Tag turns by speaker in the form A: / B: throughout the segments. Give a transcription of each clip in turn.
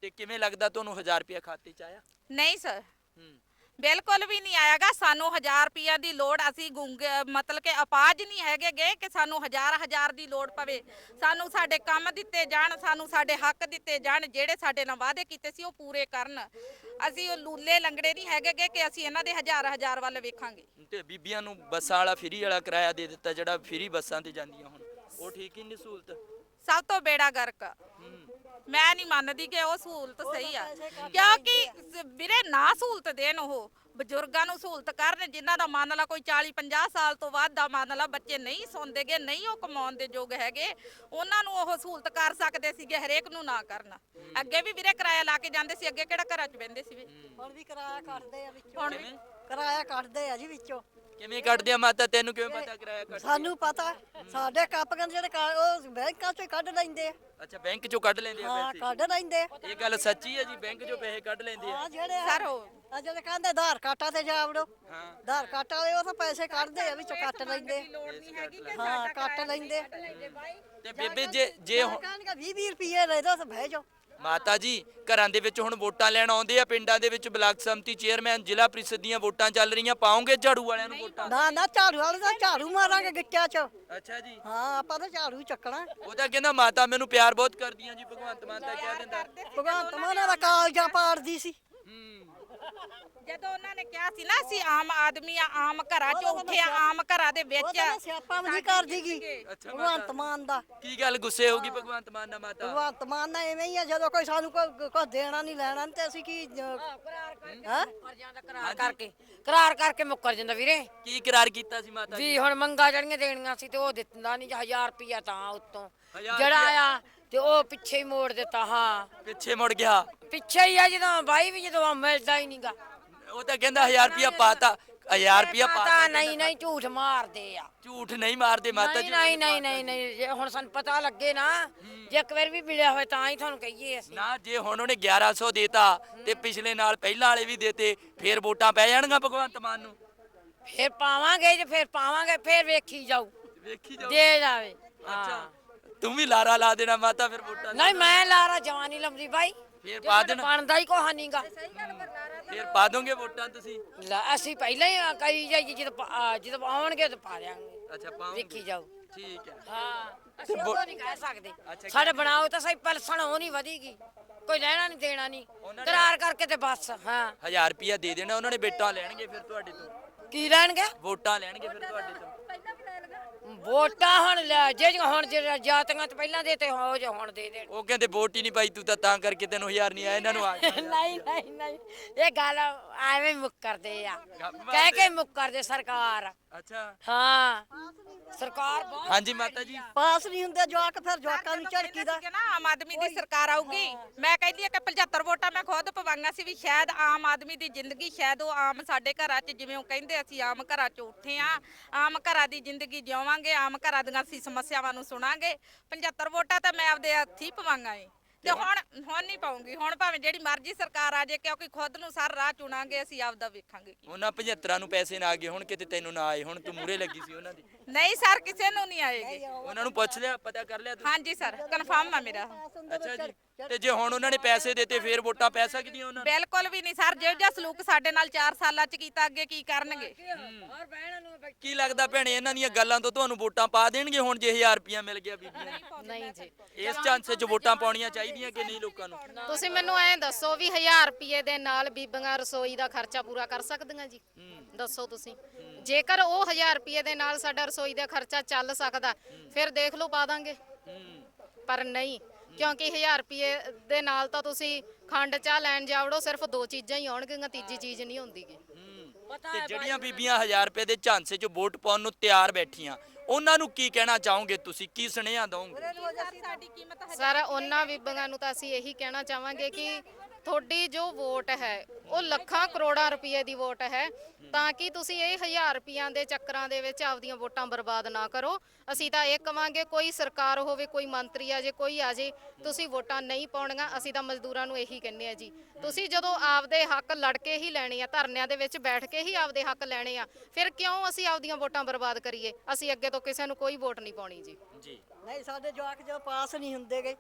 A: ਤੇ ਕਿਵੇਂ ਲੱਗਦਾ ਤੁਹਾਨੂੰ 1000 ਰੁਪਇਆ ਖਾਤੇ 'ਚ ਆਇਆ?
B: ਨਹੀਂ ਸਰ,
A: ਹੂੰ
B: ਬਿਲਕੁਲ ਵੀ ਨਹੀਂ ਆਏਗਾ। ਸਾਨੂੰ 1000 ਰੁਪਈਆ ਦੀ ਲੋੜ, ਅਸੀਂ ਮਤਲਬ ਕਿ ਅਪਾਹਜ ਨਹੀਂ ਹੈਗੇ ਗੇ ਕਿ ਸਾਨੂੰ ਹਜ਼ਾਰ ਦੀ ਲੋੜ ਪਵੇ। ਸਾਨੂੰ ਸਾਡੇ ਕੰਮ ਦਿੱਤੇ ਜਾਣ, ਸਾਨੂੰ ਸਾਡੇ ਹੱਕ ਦਿੱਤੇ ਜਾਣ, ਜਿਹੜੇ ਸਾਡੇ ਨਾਲ ਵਾਅਦੇ ਕੀਤੇ ਸੀ ਉਹ ਪੂਰੇ ਕਰਨ। ਅਸੀਂ ਉਹ ਲੂਲੇ ਲੰਗੜੇ ਨਹੀਂ ਹੈਗੇ ਗੇ ਕਿ ਅਸੀਂ ਇਹਨਾਂ ਦੇ ਹਜ਼ਾਰ ਵੱਲ ਵੇਖਾਂਗੇ।
A: ਤੇ ਬੀਬੀਆਂ ਨੂੰ ਬੱਸਾਂ ਵਾਲਾ ਫ੍ਰੀ ਵਾਲਾ ਕਿਰਾਇਆ ਦੇ ਦਿੱਤਾ, ਜਿਹੜਾ ਫ੍ਰੀ ਬੱਸਾਂ ਤੇ ਜਾਂਦੀਆਂ ਹੁਣ, ਉਹ ਠੀਕ ਹੀ ਨਹੀਂ ਸਹੂਲਤ?
B: ਸਭ ਤੋਂ ਬੇੜਾ ਗਰਕ। ਮੈਂ ਨਹੀਂ ਮੰਨਦੀ ਕਿ ਉਹ ਸਹੂਲਤ ਸਹੀ ਆ, ਕਿਉਂਕਿ ਵੀਰੇ ਨਾ ਸਹੂਲਤ ਦੇਣ, ਉਹ ਬਜ਼ੁਰਗਾਂ ਨੂੰ ਸਹੂਲਤ ਕਰਨ ਜਿਨ੍ਹਾਂ ਦਾ ਮੰਨ ਲਾ ਕੋਈ 40-50 ਸਾਲ ਤੋਂ ਵੱਧ ਦਾ ਮੰਨ ਲਾ ਬੱਚੇ ਨਹੀਂ ਸੌਂਦੇਗੇ, ਨਹੀਂ ਉਹ ਕਮਾਉਣ ਦੇ ਯੋਗ ਹੈਗੇ, ਉਹਨਾਂ ਨੂੰ ਉਹ ਸਹੂਲਤ ਕਰ ਸਕਦੇ ਸੀਗੇ, ਹਰੇਕ ਨੂੰ ਨਾ ਕਰਨ। ਅੱਗੇ ਵੀ ਵੀਰੇ ਕਿਰਾਇਆ ਲਾ ਕੇ ਜਾਂਦੇ ਸੀ, ਅੱਗੇ ਕਿਹੜਾ ਘਰਾਂ 'ਚ ਬਹਿੰਦੇ ਸੀ?
C: ਹੁਣ ਵੀ ਕਿਰਾਇਆ ਕੱਢਦੇ ਆ ਵਿੱਚੋਂ,
B: ਹੁਣ ਵੀ
C: ਕਿਰਾਇਆ ਕੱਢਦੇ ਆ ਜੀ ਵਿੱਚੋਂ।
A: ਕਿਵੇਂ ਕੱਢਦੇ ਆ ਮਾਤਾ, ਤੈਨੂੰ ਕਿਵੇਂ ਪਤਾ ਕਿਰਾਇਆ ਕੱਢਦੇ?
C: ਸਾਨੂੰ ਪਤਾ, ਸਾਡੇ ਕਾਪੀਆਂ ਜਿਹੜੇ ਉਹ ਬੈਂਕਾਂ ਚੋਂ ਕੱਢ ਲੈਂਦੇ ਆ।
A: ਅੱਛਾ, ਬੈਂਕ ਚੋਂ ਕੱਢ ਲੈਂਦੇ ਆ
C: ਹਾਂ,
A: ਪੈਸੇ?
C: ਕੱਢ ਲੈਂਦੇ ਆ।
A: ਇਹ ਗੱਲ ਸੱਚੀ ਹੈ ਜੀ, ਬੈਂਕ ਚੋਂ ਪੈਸੇ ਕੱਢ ਲੈਂਦੇ ਆ?
C: ਹਾਂ, ਜਿਹੜੇ
B: ਸਰ ਉਹ
C: ਜਿਹੜੇ ਕਹਿੰਦੇ ਆਧਾਰ ਕਾਰਡਾਂ ਤੇ ਜਾ ਵੜੋ,
A: ਹਾਂ
C: ਆਧਾਰ ਕਾਰਡ ਵਾਲੇ ਉਹ ਤਾਂ ਪੈਸੇ ਕੱਢਦੇ ਆ, ਵਿੱਚੋਂ ਕੱਟ ਲੈਂਦੇ ਆ।
B: ਲੋੜ ਨਹੀਂ ਹੈਗੀ ਕਿ
C: ਹਾਂ, ਕੱਟ ਲੈਂਦੇ ਆ।
A: ਤੇ ਬੇਬੇ ਜੇ ਹੁਣ
C: ਕਹਿਣਗੇ 20 ਰੁਪਏ ਲੈ ਦੋ ਤਾਂ ਬਹਿ ਜਾਓ।
A: ਮਾਤਾ ਜੀ ਘਰਾਂ ਦੇ ਵਿੱਚ ਹੁਣ ਵੋਟਾਂ ਲੈਣ ਆਉਂਦੇ ਆ, ਪਿੰਡਾਂ ਦੇ ਵਿੱਚ ਬਲਾਕ ਸੰਮਤੀ ਚੇਅਰਮੈਨ, ਜ਼ਿਲ੍ਹਾ ਪ੍ਰੀਸ਼ਦ ਦੀਆਂ ਵੋਟਾਂ ਚੱਲ ਰਹੀਆਂ, ਪਾਉਂਗੇ ਝਾੜੂ ਵਾਲਿਆਂ ਨੂੰ ਵੋਟਾਂ?
C: ਨਾ ਨਾ, ਝਾੜੂ ਵਾਲੇ ਦਾ ਝਾੜੂ ਮਾਰਾਂਗੇ ਗਿੱਟਿਆਂ 'ਚ।
A: ਅੱਛਾ ਜੀ,
C: ਹਾਂ, ਆਪਾਂ ਤਾਂ ਝਾੜੂ ਚੱਕਣਾ।
A: ਉਹ ਤਾਂ ਕਹਿੰਦਾ ਮਾਤਾ ਮੈਨੂੰ ਪਿਆਰ ਬਹੁਤ ਕਰਦੀਆਂ ਜੀ, ਭਗਵੰਤ ਮਾਨ ਤਾਂ ਕਹਿ ਦਿੰਦਾ।
C: ਭਗਵੰਤ ਮਾਨ ਦਾ ਕਾਲਜਾਂ ਪਾੜਦੀ ਸੀ।
B: ਜਦੋਂ ਉਹਨਾਂ ਨੇ ਕਿਹਾ ਸੀ ਨਾ ਅਸੀਂ ਆਮ ਆਦਮੀ ਆ, ਆਮ ਘਰਾਂ 'ਚ ਉੱਠੇ ਆ, ਆਮ ਘਰਾਂ ਦੇ
C: ਉਹ
B: ਵਿੱਚ
C: ਤਾਂ ਸਿਆਪਾ ਵੀ ਨਹੀਂ ਕਰਦੀਗੀ
A: ਅੱਛਾ
C: ਭਗਵੰਤ ਮਾਨ ਦਾ।
A: ਕੀ ਗੱਲ ਗੁੱਸੇ ਹੋਗੀ ਭਗਵੰਤ ਮਾਨ ਨਾਲ ਮਾਤਾ?
C: ਭਗਵੰਤ ਮਾਨ ਨਾਲ ਐਵੇਂ ਹੀ ਆ, ਜਦੋਂ ਕੋਈ ਸਾਨੂੰ ਕੋਈ ਦੇਣਾ ਨਹੀਂ ਲੈਣਾ ਨੀ ਤੇ ਅਸੀਂ ਕੀ ਹਾਂ
D: ਕਰਾਰ ਕਰਕੇ ਮੁੱਕਰ ਜਾਂਦਾ ਵੀਰੇ।
A: ਕੀ ਇਕਰਾਰ ਕੀਤਾ ਸੀ ਮਾਤਾ ਜੀ?
D: ਵੀ ਹੁਣ ਮੰਗਾ ਜਿਹੜੀਆਂ ਦੇਣੀਆਂ ਸੀ ਤੇ ਉਹ ਦਿੱਤਾ ਨਹੀਂ, 1000 ਰੁਪਿਆ ਤਾਂ ਉੱਤੋਂ
A: 1000
D: ਜਿਹੜਾ
A: ਰੁਪਇਆ?
D: ਆਇਆ ਤੇ ਉਹ ਪਿੱਛੇ ਹੀ ਮੋੜ ਦਿੱਤਾ। ਹਾਂ,
A: ਪਿੱਛੇ ਮੁੜ ਗਿਆ?
D: ਪਿੱਛੇ ਹੀ ਆ, ਜਦੋਂ ਬਾਈ ਵੀ ਜਦੋਂ ਮਿਲਦਾ ਹੀ ਨਹੀਂਗਾ।
A: ਉਹ ਤਾਂ ਕਹਿੰਦਾ 1000 ਰੁਪਇਆ ਪਾਤਾ, 1000 ਰੁਪਇਆ
D: ਪਤਾ
A: ਪਾਤਾ।
D: ਨਹੀਂ ਝੂਠ ਮਾਰਦੇ ਆ।
A: ਝੂਠ ਨਹੀਂ ਮਾਰਦੇ ਮਾਤਾ ਜੀ।
D: ਨਹੀਂ, ਜੇ ਹੁਣ ਸਾਨੂੰ ਪਤਾ ਲੱਗੇ ਨਾ, ਜੇ ਇੱਕ ਵਾਰ ਵੀ ਮਿਲਿਆ ਹੋਵੇ ਤਾਂ ਹੀ ਤੁਹਾਨੂੰ ਕਹੀਏ ਅਸੀਂ।
A: ਨਾ ਜੇ ਹੁਣ ਉਹਨੇ 1100 ਦੇਤਾ ਤੇ ਪਿਛਲੇ ਨਾਲ ਪਹਿਲਾਂ ਵਾਲੇ ਵੀ ਦੇਤੇ, ਫੇਰ ਵੋਟਾਂ ਪੈ ਜਾਣਗੀਆਂ ਭਗਵੰਤ ਮਾਨ ਨੂੰ?
D: ਫਿਰ ਪਾਵਾਂਗੇ, ਜੇ ਫਿਰ ਪਾਵਾਂਗੇ, ਫਿਰ ਵੇਖੀ ਜਾਊ,
A: ਵੇਖੀ ਜਾਓ।
D: ਦੇ ਜਾਵੇ।
A: ਅੱਛਾ, ਤੂੰ ਵੀ ਲਾਰਾ ਲਾ ਦੇਣਾ ਮਾਤਾ ਫਿਰ ਵੋਟਾਂ?
D: ਨਹੀਂ, ਮੈਂ ਲਾਰਾ ਜਵਾਨੀ ਲੰਮਦੀ ਬਾਈ,
A: ਫੇਰ ਪਾ ਦੇਣਾ?
D: ਬਣਦਾ ਹੀ ਕੋਹਾ ਨਹੀਂਗਾ।
A: ਫੇਰ ਪਾ ਦੋਗੇ ਵੋਟਾਂ ਤੁਸੀਂ?
D: ਅਸੀਂ ਪਹਿਲਾਂ ਹੀ ਕਹੀ ਜਾਈ, ਜਦੋਂ ਆਉਣਗੇ ਤਾਂ ਪਾ ਦਿਆਂਗੇ।
A: ਅੱਛਾ, ਪਾਉਂਗੇ?
D: ਵੇਖੀ ਜਾਊ।
A: ਠੀਕ ਹੈ।
D: ਹਾਂ, ਅਸੀਂ ਉਹ ਨਹੀਂ ਕਹਿ ਸਕਦੇ।
A: ਅੱਛਾ,
D: ਸਾਡੇ ਬਣਾਓ ਤਾਂ ਸਹੀ, ਪਲਸਣ ਉਹ ਨਹੀਂ ਵਧੇਗੀ, ਕੋਈ ਲੈਣਾ ਨਹੀਂ ਦੇਣਾ ਨਹੀਂ, ਕਰਾਰ ਕਰਕੇ ਤੇ ਬਸ। ਹਾਂ,
A: 1000 ਰੁਪਇਆ ਦੇ ਦੇਣਾ ਉਹਨਾਂ ਨੇ, ਵੋਟਾਂ ਲੈਣਗੇ ਫਿਰ ਤੁਹਾਡੇ ਤੋਂ।
D: ਕੀ ਲੈਣਗੇ?
A: ਵੋਟਾਂ ਲੈਣਗੇ ਫਿਰ ਤੁਹਾਡੇ ਤੋਂ।
D: ਵੋਟਾਂ ਹੁਣ ਹੁਣ ਜਾਤੀਆਂ ਚ ਪਹਿਲਾਂ ਦੇਤੇ, ਹੋ ਜੇ ਹੁਣ ਦੇ ਦੇਣ।
A: ਉਹ ਕਹਿੰਦੇ ਵੋਟ ਹੀ ਨਹੀਂ ਪਾਈ ਤੂੰ ਤਾਂ ਕਰਕੇ ਤੈਨੂੰ 1000 ਨਹੀਂ ਆਇਆ, ਇਹਨਾਂ ਨੂੰ ਆ ਗਿਆ।
D: ਨਹੀਂ, ਇਹ ਗੱਲ ਐਵੇਂ ਮੁੱਕਰਦੇ ਆ, ਕਹਿ ਕੇ ਮੁੱਕਰਦੇ ਸਰਕਾਰ।
A: ਅੱਛਾ,
D: ਹਾਂ, ਸਰਕਾਰ ਬਹੁਤ
A: ਹਾਂਜੀ ਮਾਤਾ ਜੀ।
C: ਪਾਸ ਨਹੀਂ ਹੁੰਦੇ ਜਵਾਕ, ਫਿਰ ਜਵਾਕਾਂ ਨੂੰ ਝੜਕੀ ਦਾ।
B: ਨਾ ਆਮ ਆਦਮੀ ਦੀ ਸਰਕਾਰ ਆਊਗੀ, ਮੈਂ ਕਹਿੰਦੀ ਆ ਕਿ 75 ਵੋਟਾਂ ਮੈਂ ਖੁਦ ਪਵਾਈਆਂ ਸੀ ਵੀ ਸ਼ਾਇਦ ਆਮ ਆਦਮੀ ਦੀ ਜ਼ਿੰਦਗੀ, ਸ਼ਾਇਦ ਉਹ ਆਮ ਸਾਡੇ ਘਰਾਂ 'ਚ, ਜਿਵੇਂ ਉਹ ਕਹਿੰਦੇ ਅਸੀਂ ਆਮ ਘਰਾਂ 'ਚ ਉੱਠੇ ਆ, ਆਮ ਘਰਾਂ ਦੀ ਜ਼ਿੰਦਗੀ ਜਿਉਵਾਂਗੇ, ਆਮ ਘਰਾਂ ਦੀਆਂ ਅਸੀਂ ਸਮੱਸਿਆਵਾਂ ਨੂੰ ਸੁਣਾਂਗੇ। 75 ਵੋਟਾਂ ਤਾਂ ਮੈਂ ਆਪਦੇ ਹੱਥੀ ਪਵਾਈਆਂ ਏ, ਤੇ ਹੁਣ ਨਹੀਂ ਪਾਉਂਗੀ। ਹੁਣ ਭਾਵੇਂ ਜਿਹੜੀ ਮਰਜ਼ੀ ਸਰਕਾਰ ਆ ਜੇ, ਕਿਉਂਕਿ ਖੁਦ ਨੂੰ ਸਾਰਾ ਰਾਹ ਚੁਣਾਂਗੇ, ਅਸੀਂ ਆਪਦਾ ਵੇਖਾਂਗੇ।
A: ਉਹਨਾਂ 75 ਨੂੰ ਪੈਸੇ ਨਾ ਆ ਗਏ, ਹੁਣ ਕਿਤੇ ਤੈਨੂੰ ਨਾ ਆਏ, ਹੁਣ ਤੂੰ ਮੂਰੇ ਲੱਗੀ ਸੀ ਉਹਨਾਂ ਦੀ।
B: ਨਹੀਂ ਸਰ, ਕਿਸੇ ਨੂੰ ਨਹੀਂ ਆਏਗੀ।
A: ਉਹਨਾਂ ਨੂੰ ਪੁੱਛ ਲਿਆ, ਪਤਾ ਕਰ ਲਿਆ ਤੂੰ?
B: ਹਾਂਜੀ ਸਰ, ਕਨਫਰਮ ਆ ਮੇਰਾ।
A: ਅੱਛਾ ਜੀ, ਤੇ ਜੇ ਹੁਣ ਉਹਨਾਂ ਨੇ ਪੈਸੇ ਦਿੱਤੇ ਫੇਰ ਵੋਟਾਂ ਪੈ ਸਕਦੀਆਂ ਉਹਨਾਂ ਨੂੰ?
B: ਬਿਲਕੁਲ ਵੀ ਨਹੀਂ ਸਰ, ਜਿਹੋ ਜਿਹਾ ਸਲੂਕ ਸਾਡੇ ਨਾਲ 4 ਸਾਲਾਂ 'ਚ ਕੀਤਾ, ਅੱਗੇ ਕੀ ਕਰਨਗੇ?
A: ਕੀ ਲੱਗਦਾ ਭੈਣੇ, ਇਹਨਾਂ ਦੀਆਂ ਗੱਲਾਂ ਤੋਂ ਤੁਹਾਨੂੰ ਵੋਟਾਂ ਪਾ ਦੇਣਗੇ ਹੁਣ, ਜੇ 1000 ਰੁਪਇਆ ਮਿਲ ਗਿਆ ਬੀਬੀਆਂ ਨੂੰ?
E: ਨਹੀਂ ਜੀ,
A: ਇਸ ਚਾਂਸੇ 'ਚ ਵੋਟਾਂ ਪਾਉਣੀਆਂ ਚਾਹੀਦੀਆਂ ਕਿ ਨਹੀਂ ਲੋਕਾਂ ਨੂੰ?
E: ਤੁਸੀਂ ਮੈਨੂੰ ਐਂ ਦੱਸੋ ਵੀ 1000 ਰੁਪਏ ਦੇ ਨਾਲ ਬੀਬੀਆਂ ਰਸੋਈ ਦਾ ਖਰਚਾ ਪੂਰਾ ਕਰ ਸਕਦੀਆਂ ਜੀ? ਦੱਸੋ ਤੁਸੀਂ। ਜੇਕਰ ਉਹ 1000 ਰੁਪਏ ਦੇ ਨਾਲ ਸਾਡਾ ਰਸੋਈ ਦਾ ਖਰਚਾ ਚੱਲ ਸਕਦਾ, ਫਿਰ ਦੇਖ ਲਓ ਪਾ ਦਾਂਗੇ, ਪਰ ਨਹੀਂ, ਕਿਉਂਕਿ 1000 ਰੁਪਏ ਦੇ ਨਾਲ ਤਾਂ ਤੁਸੀਂ ਖੰਡ ਚਾਹ ਲੈਣ ਜਾਵੜੋ, ਸਿਰਫ 2 ਚੀਜ਼ਾਂ ਹੀ ਆਉਣਗੀਆਂ, ਤੀਜੀ ਚੀਜ਼ ਨਹੀਂ ਆਉਂਦੀਗੀ।
A: ਤੇ ਜਿਹੜੀਆਂ ਬੀਬੀਆਂ 1000 ਰੁਪਏ ਦੇ ਝਾਂਸੇ 'ਚ ਵੋਟ ਪਾਉਣ ਨੂੰ ਤਿਆਰ ਬੈਠੀਆਂ, ਉਹਨਾਂ ਨੂੰ ਕੀ ਕਹਿਣਾ ਚਾਹੋਗੇ ਤੁਸੀਂ? ਕੀ ਸੁਨੇਹਾ ਦਵੋਗੇ?
E: ਸਰ, ਉਹਨਾਂ ਬੀਬੀਆਂ ਨੂੰ ਤਾਂ ਅਸੀਂ ਇਹੀ ਕਹਿਣਾ ਚਾਹਾਂਗੇ ਕਿ ਤੁਹਾਡੀ ਜੋ ਵੋਟ ਹੈ ਉਹ ਲੱਖਾਂ ਕਰੋੜਾਂ ਰੁਪਏ ਦੀ ਵੋਟ ਹੈ, ਤਾਂ ਕਿ ਤੁਸੀਂ ਇਹ 1000 ਰੁਪਈਆਂ ਦੇ ਚੱਕਰਾਂ ਦੇ ਵਿੱਚ ਆਪਦੀਆਂ ਵੋਟਾਂ ਬਰਬਾਦ ਨਾ ਕਰੋ। ਅਸੀਂ ਤਾਂ ਇਹ ਕਵਾਂਗੇ, ਕੋਈ ਸਰਕਾਰ ਹੋਵੇ, ਕੋਈ ਮੰਤਰੀ ਆ ਜੇ, ਕੋਈ ਆ ਜੇ, ਤੁਸੀਂ ਵੋਟਾਂ ਨਹੀਂ ਪਾਉਣੀਆਂ। ਅਸੀਂ ਤਾਂ ਮਜ਼ਦੂਰਾਂ ਨੂੰ ਇਹੀ ਕਹਿੰਦੇ ਆ ਜੀ, ਤੁਸੀਂ ਜਦੋਂ ਆਪਦੇ ਹੱਕ ਲੜ ਕੇ ਹੀ ਲੈਣੇ ਆ, ਧਰਨਿਆਂ ਦੇ ਵਿੱਚ ਬੈਠ ਕੇ ਹੀ ਆਪਦੇ ਹੱਕ ਲੈਣੇ ਆ, ਫਿਰ ਕਿਉਂ ਅਸੀਂ ਆਪਦੀਆਂ ਵੋਟਾਂ ਬਰਬਾਦ ਕਰੀਏ? ਅਸੀਂ ਅੱਗੇ ਤੋਂ ਕਿਸੇ ਨੂੰ ਕੋਈ ਵੋਟ ਨਹੀਂ ਪਾਉਣੀ ਜੀ।
A: ਜੀ,
C: ਨਹੀਂ, ਸਾਡੇ ਜਵਾਕ ਜਦੋਂ ਪਾਸ ਨਹੀਂ ਹੁੰਦੇਗੇ,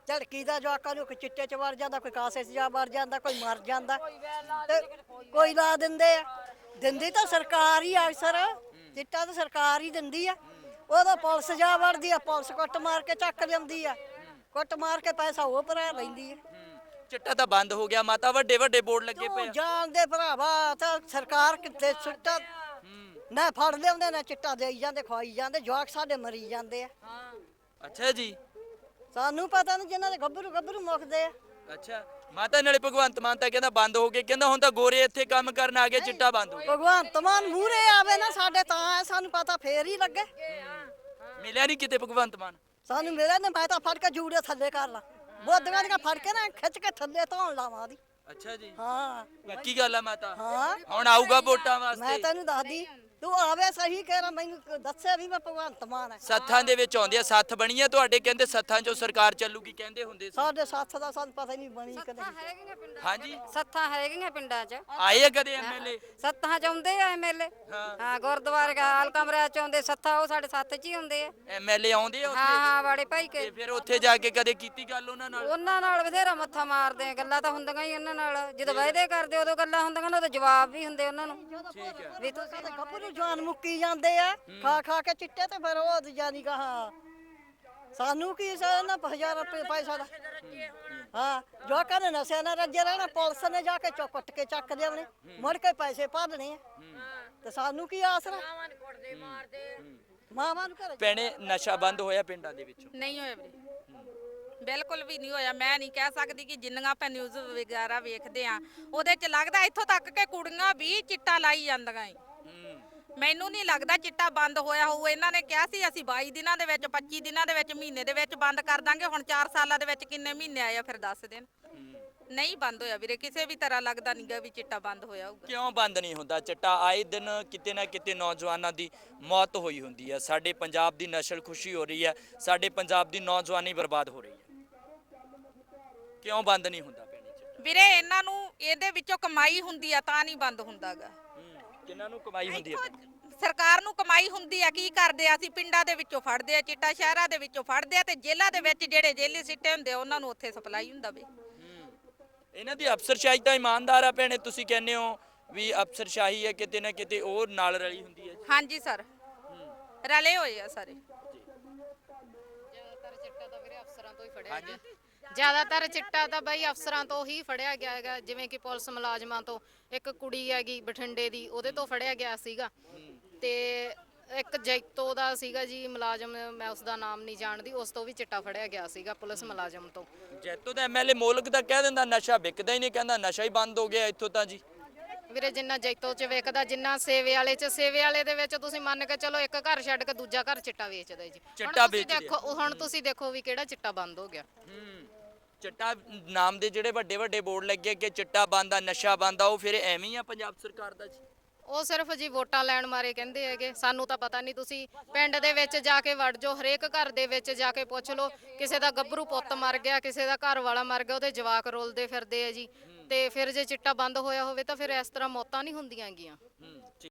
C: ਝੜਕੀ ਦਾ ਜਵਾਕਾਂ ਨੂੰ ਕੋਈ ਚਿੱਟੇ ਚ ਵੜ ਜਾਂਦਾ, ਕੋਈ ਕਾਸੇ ਚ ਜਾ ਵੜ ਜਾਂਦਾ, ਕੋਈ ਮਰ ਜਾਂਦਾ ਤੇ ਕੋਈ ਲਾ ਦਿੰਦੇ ਆ। ਦਿੰਦੀ ਤਾਂ ਸਰਕਾਰ ਹੀ ਆ ਅਕਸਰ, ਚਿੱਟਾ ਤਾਂ ਸਰਕਾਰ ਹੀ ਦਿੰਦੀ ਆ। ਉਦੋਂ ਪੁਲਿਸ ਜਾ ਵੜਦੀ ਆ, ਪੁਲਿਸ ਕੁੱਟ ਮਾਰ ਕੇ ਚੱਕ ਲਿਆਉਂਦੀ ਆ, ਕੁੱਟ ਮਾਰ ਕੇ ਪੈਸਾ ਉਹ ਭਰਾ ਲੈਂਦੀ ਆ।
A: ਚਿੱਟਾ ਤਾਂ ਬੰਦ ਹੋ ਗਿਆ ਮਾਤਾ, ਵੱਡੇ ਵੱਡੇ ਬੋਰਡ ਲੱਗੇ ਪਏ
C: ਤੂੰ
A: ਆ।
C: ਜਾਣਦੇ ਭਰਾਵਾ ਤਾਂ ਸਰਕਾਰ ਕਿੱਥੇ ਸੁੱਟਾ ਨਾ ਫੜ ਲਿਆਉਂਦੇ ਨਾ ਚਿੱਟਾ ਦੇਈ ਜਾਂਦੇ, ਖਵਾਈ ਜਾਂਦੇ, ਜਵਾਕ ਸਾਡੇ ਮਰੀ ਜਾਂਦੇ ਆ।
A: ਅੱਛਾ ਜੀ,
C: ਸਾਨੂੰ ਪਤਾ ਨਹੀਂ ਜਿਨ੍ਹਾਂ ਦੇ ਗੱਭਰੂ ਮੁੱਕਦੇ ਆ।
A: ਅੱਛਾ ਮਾਤਾ ਨਾਲੇ ਭਗਵੰਤ ਮਾਨ ਤਾਂ ਕਹਿੰਦਾ ਬੰਦ ਹੋ ਗਏ, ਕਹਿੰਦਾ ਹੁਣ ਤਾਂ ਗੋਰੇ ਇੱਥੇ ਕੰਮ ਕਰਨ ਆ ਗਏ, ਚਿੱਟਾ ਬੰਦ ਹੋ ਗਿਆ।
C: ਭਗਵੰਤ ਮਾਨ ਮੂਹਰੇ ਆਵੇ ਨਾ ਸਾਡੇ ਤਾਂ ਸਾਨੂੰ ਪਤਾ ਫੇਰ ਹੀ ਲੱਗੇ।
A: ਮਿਲਿਆ ਨਹੀਂ ਕਿਤੇ ਭਗਵੰਤ ਮਾਨ?
C: ਸਾਨੂੰ ਮਿਲਿਆ ਨਾ, ਮੈਂ ਤਾਂ ਫੜ ਕੇ ਜੂੜੇ ਥੱਲੇ ਕਰ ਲਾ, ਬੋਦੀਆਂ ਦੀਆਂ ਫੜ ਕੇ ਨਾ ਖਿੱਚ ਕੇ ਥੱਲੇ ਧੋਣ ਲਾਵਾਂ ਦੀ।
A: ਅੱਛਾ ਜੀ,
C: ਹਾਂ
A: ਪੱਕੀ ਗੱਲ ਆ ਮਾਤਾ।
C: ਹਾਂ
A: ਹੁਣ ਆਊਗਾ ਵੋਟਾਂ
C: ਮੈਂ
A: ਵਾਸਤੇ।
C: ਤੈਨੂੰ ਦੱਸਦੀ, ਤੂੰ ਆਵੇ ਸਹੀ ਕਹਿ ਰਾ, ਮੈਨੂੰ ਦੱਸਿਆ ਵੀ ਮੈਂ ਭਗਵੰਤ ਮਾਨ ਹੈ।
A: ਸੱਥਾਂ ਦੇ ਵਿੱਚ ਆਉਂਦੇ ਆ, ਸੱਥ ਬਣੀ ਆ ਤੁਹਾਡੇ, ਕਹਿੰਦੇ ਸੱਥਾਂ 'ਚੋਂ ਸਰਕਾਰ ਚੱਲੂਗੀ ਕਹਿੰਦੇ ਹੁੰਦੇ ਸੀ।
C: ਸਾਡੇ ਸਾਥ ਦਾ ਸਾਨੂੰ ਪਤਾ ਹੀ ਨਹੀਂ ਬਣੀ ਕਦੇ।
A: ਹਾਂਜੀ,
D: ਸੱਥਾਂ ਹੈਗੀਆਂ ਪਿੰਡਾਂ 'ਚ,
A: ਆਏ ਆ ਕਦੇ ਐਮਐਲਏ?
D: ਸੱਥਾਂ 'ਚ ਆਉਂਦੇ ਆ ਐਮਐਲਏ। ਹਾਂ ਗੁਰਦੁਆਰੇ ਹਾਲ ਕਮਰਿਆਂ 'ਚ ਆਉਂਦੇ, ਸੱਥਾਂ ਉਹ ਸਾਡੇ ਸੱਥ 'ਚ ਹੀ ਹੁੰਦੇ ਆ।
A: ਐਮਐਲਏ ਆਉਂਦੇ ਆ
D: ਹਾਂ
A: ਉੱਥੇ?
D: ਹਾਂ ਬੜੇ ਭਾਈ ਕੇ
A: ਤੇ ਫਿਰ ਉੱਥੇ ਜਾ ਕੇ ਕਦੇ ਕੀਤੀ ਗੱਲ ਉਹਨਾਂ ਨਾਲ?
D: ਉਹਨਾਂ ਨਾਲ ਬਥੇਰਾ ਮੱਥਾ ਮਾਰਦੇ ਆ, ਗੱਲਾਂ ਤਾਂ ਹੁੰਦੀਆਂ ਹੀ ਉਹਨਾਂ ਨਾਲ। ਜਦੋਂ ਵਾਅਦੇ ਕਰਦੇ ਉਦੋਂ ਗੱਲਾਂ ਹੁੰਦੀਆਂ ਨੇ, ਉਦੋਂ ਜਵਾਬ ਵੀ ਹੁੰਦੇ ਉਹਨਾਂ ਨੂੰ ਵੀ ਤੁਸੀਂ
C: ਸਾਡੇ ਗੱਭਰੂ ਜਵਾਨ ਮੁੱਕੀ ਜਾਂਦੇ ਆ ਖਾ ਖਾ ਕੇ ਚਿੱਟੇ, ਤੇ ਫਿਰ ਉਹ ਜਾਨੀ ਕਹਾ ਸਾਨੂੰ ਕੀ ਨਾ 1000 ਰੁਪਏ ਪੈਸਾ ਦਾ। ਹਾਂ ਜੋ ਕਹਿੰਦੇ ਨਸ਼ੇ ਨਾਲ ਰੱਜੇ ਰਹਿਣਾ, ਪੁਲਿਸ ਨੇ ਜਾ ਕੇ ਕੁੱਟ ਕੇ ਚੱਕ ਲਿਆਉਣੇ, ਮੁੜ ਕੇ ਪੈਸੇ ਭਾਲਣੇ ਆ, ਤੇ ਸਾਨੂੰ ਕੀ ਆਸਰਾ। ਮਾਵਾਂ ਨੂੰ ਘਰੇ
A: ਭੈਣੇ ਨਸ਼ਾ ਬੰਦ ਹੋਇਆ ਪਿੰਡਾਂ ਦੇ ਵਿੱਚੋਂ?
B: ਨਹੀਂ ਹੋਇਆ ਵੀਰੇ, ਬਿਲਕੁਲ ਵੀ ਨਹੀਂ ਹੋਇਆ। ਮੈਂ ਨਹੀਂ ਕਹਿ ਸਕਦੀ ਕਿ ਜਿੰਨੀਆਂ ਆਪਾਂ ਨਿਊਜ਼ ਵਗੈਰਾ ਵੇਖਦੇ ਆ ਉਹਦੇ 'ਚ ਲੱਗਦਾ ਇੱਥੋਂ ਤੱਕ ਕਿ ਕੁੜੀਆਂ ਵੀ ਚਿੱਟਾ ਲਾਈ ਜਾਂਦੀਆਂ ਏ। ਮੈਨੂੰ ਨਹੀਂ ਲੱਗਦਾ ਚਿੱਟਾ ਬੰਦ ਹੋਇਆ ਹੋਊ। ਇਹਨਾਂ ਨੇ ਕਿਹਾ ਸੀ ਅਸੀਂ 22 ਦਿਨਾਂ ਦੇ ਵਿੱਚ, 25 ਦਿਨਾਂ ਦੇ ਵਿੱਚ, ਮਹੀਨੇ ਦੇ ਵਿੱਚ ਬੰਦ ਕਰ ਦਾਂਗੇ। ਹੁਣ 4 ਸਾਲਾਂ ਦੇ ਵਿੱਚ ਕਿੰਨੇ ਮਹੀਨੇ ਆਏ ਆ ਫਿਰ ਦੱਸ ਦੇਣ। ਨਹੀਂ ਬੰਦ ਹੋਇਆ ਵੀਰੇ, ਕਿਸੇ ਵੀ ਤਰ੍ਹਾਂ ਲੱਗਦਾ ਨਹੀਂਗਾ ਵੀ ਚਿੱਟਾ ਬੰਦ ਹੋਇਆ ਹੋਊਗਾ।
A: ਕਿਉਂ ਬੰਦ ਨਹੀਂ ਹੁੰਦਾ ਚਿੱਟਾ? ਆਏ ਦਿਨ ਕਿਤੇ ਨਾ ਕਿਤੇ ਨੌਜਵਾਨਾਂ ਦੀ ਮੌਤ ਹੋਈ ਹੁੰਦੀ ਹੈ, ਸਾਡੇ ਪੰਜਾਬ ਦੀ ਨਸਲ ਖੁਸ਼ੀ ਹੋ ਰਹੀ ਹੈ, ਸਾਡੇ ਪੰਜਾਬ ਦੀ ਨੌਜਵਾਨੀ ਬਰਬਾਦ ਹੋ ਰਹੀ ਹੈ। ਕਿਉਂ ਬੰਦ ਨਹੀਂ ਹੁੰਦਾ ਭੈਣੇ ਚਿੱਟਾ?
B: ਵੀਰੇ ਇਹਨਾਂ ਨੂੰ ਇਹਦੇ ਵਿੱਚੋਂ ਕਮਾਈ ਹੁੰਦੀ ਆ ਤਾਂ ਨਹੀਂ ਬੰਦ ਹੁੰਦਾਗਾ।
A: ਕਿਹਨਾਂ ਨੂੰ ਕਮਾਈ ਹੁੰਦੀ ਹੈ?
B: ਸਰਕਾਰ ਨੂੰ ਕਮਾਈ ਹੁੰਦੀ ਆ। ਕੀ ਕਰਦੇ ਆ, ਅਸੀਂ ਪਿੰਡਾਂ ਦੇ ਵਿੱਚੋਂ ਫੜਦੇ ਆ ਚਿੱਟਾ, ਸ਼ਹਿਰਾਂ ਦੇ ਵਿੱਚੋਂ ਫੜਦੇ ਆ, ਤੇ ਜੇਲ੍ਹਾਂ ਦੇ ਵਿੱਚ ਜਿਹੜੇ ਜੇਲੀ ਸਿੱਟੇ ਹੁੰਦੇ ਆ ਉਹਨਾਂ ਨੂੰ ਉੱਥੇ ਸਪਲਾਈ ਹੁੰਦਾ ਵੇ।
A: ਇਹਨਾਂ ਦੀ ਅਫਸਰਸ਼ਾਹੀ ਤਾਂ ਇਮਾਨਦਾਰ ਆ ਭੈਣੇ, ਤੁਸੀਂ ਕਹਿੰਦੇ ਹੋ ਵੀ ਅਫਸਰਸ਼ਾਹੀ ਹੈ ਕਿਤੇ ਨਾ ਕਿਤੇ ਉਹ ਨਾਲ ਰਲੀ ਹੁੰਦੀ ਹੈ।
B: ਹਾਂਜੀ ਸਰ, ਰਲੇ ਹੋਏ ਆ ਸਾਰੇ।
E: ਜ਼ਿਆਦਾਤਰ ਚਿੱਟਾ ਤਾਂ ਵੀਰੇ ਅਫਸਰਾਂ ਤੋਂ ਹੀ ਫੜਿਆ ਗਿਆ। ਜ਼ਿਆਦਾਤਰ ਚਿੱਟਾ ਤਾਂ ਬਈ ਅਫਸਰਾਂ ਤੋਂ ਹੀ ਫੜਿਆ ਗਿਆ ਹੈਗਾ, ਜਿਵੇਂ ਕਿ ਪੁਲਿਸ ਮੁਲਾਜ਼ਮਾਂ ਤੋਂ। ਇੱਕ ਕੁੜੀ ਹੈਗੀ ਬਠਿੰਡੇ ਦੀ, ਉਹਦੇ ਤੋਂ ਫੜਿਆ ਗਿਆ ਸੀਗਾ। ਤੇ ਇੱਕ ਜੈਤੋ ਦਾ ਸੀਗਾ ਜੀ ਮੁਲਾਜ਼ਮ, ਮੈਂ ਉਸ ਦਾ ਨਾਮ ਨਹੀਂ ਜਾਣਦੀ, ਉਸ ਤੋਂ ਵੀ ਚਿੱਟਾ ਫੜਿਆ ਗਿਆ ਸੀਗਾ ਪੁਲਿਸ ਮੁਲਾਜ਼ਮ ਤੋਂ।
A: ਜੈਤੋ ਦਾ ਐਮਐਲਏ ਮੋਲਕ ਦਾ ਕਹਿ ਦਿੰਦਾ ਨਸ਼ਾ ਵਿਕਦਾ ਹੀ ਨਹੀਂ, ਕਹਿੰਦਾ ਨਸ਼ਾ ਹੀ ਬੰਦ ਹੋ ਗਿਆ ਇੱਥੋਂ ਤਾਂ ਜੀ।
E: ਵੀਰੇ ਜਿੰਨਾ ਜੈਤੋ 'ਚ ਵਿਕਦਾ, ਜਿੰਨਾ ਸੇਵੇ ਵਾਲੇ 'ਚ, ਸੇਵੇ ਵਾਲੇ ਦੇ ਵਿੱਚ ਤੁਸੀਂ ਮੰਨ ਕੇ ਚਲੋ ਇੱਕ ਘਰ ਛੱਡ ਕੇ ਦੂਜਾ ਘਰ ਚਿੱਟਾ ਵੇਚਦਾ ਜੀ।
A: ਚਿੱਟਾ ਵੇਚਦੇ ਆ।
E: ਦੇਖੋ ਹੁਣ ਤੁਸੀਂ ਦੇਖੋ ਵੀ ਕਿਹੜਾ ਚਿੱਟਾ ਬੰਦ ਹੋ ਗਿਆ।
A: ਚਿੱਟਾ ਨਾਮ ਦੇ ਜਿਹੜੇ ਵੱਡੇ ਵੱਡੇ ਬੋਰਡ ਲੱਗੇ ਕਿ ਚਿੱਟਾ ਬੰਦ ਆ, ਨਸ਼ਾ ਬੰਦ ਆ, ਉਹ ਫਿਰ ਐਵੇਂ ਹੀ ਆ ਪੰਜਾਬ ਸਰਕਾਰ ਦਾ ਜੀ।
E: ਉਹ ਸਿਰਫ ਜੀ ਵੋਟਾਂ ਲੈਣ ਮਾਰੇ ਕਹਿੰਦੇ ਹੈਗੇ, ਸਾਨੂੰ ਤਾਂ ਪਤਾ ਨਹੀਂ। ਤੁਸੀਂ ਪਿੰਡ ਦੇ ਵਿੱਚ ਜਾ ਕੇ ਵੜ ਜਾਓ, ਹਰੇਕ ਘਰ ਦੇ ਵਿੱਚ ਜਾ ਕੇ ਪੁੱਛ ਲਓ, ਕਿਸੇ ਦਾ ਗੱਭਰੂ ਪੁੱਤ ਮਰ ਗਿਆ, ਕਿਸੇ ਦਾ ਘਰ ਵਾਲਾ ਮਰ ਗਿਆ, ਉਹਦੇ ਜਵਾਕ ਰੋਲਦੇ ਫਿਰਦੇ ਆ ਜੀ। ਤੇ ਫਿਰ ਜੇ ਚਿੱਟਾ ਬੰਦ ਹੋਇਆ ਹੋਵੇ ਤਾਂ ਫਿਰ ਇਸ ਤਰ੍ਹਾਂ ਮੌਤਾਂ ਨਹੀਂ ਹੁੰਦੀਆਂ ਹੈਗੀਆਂ।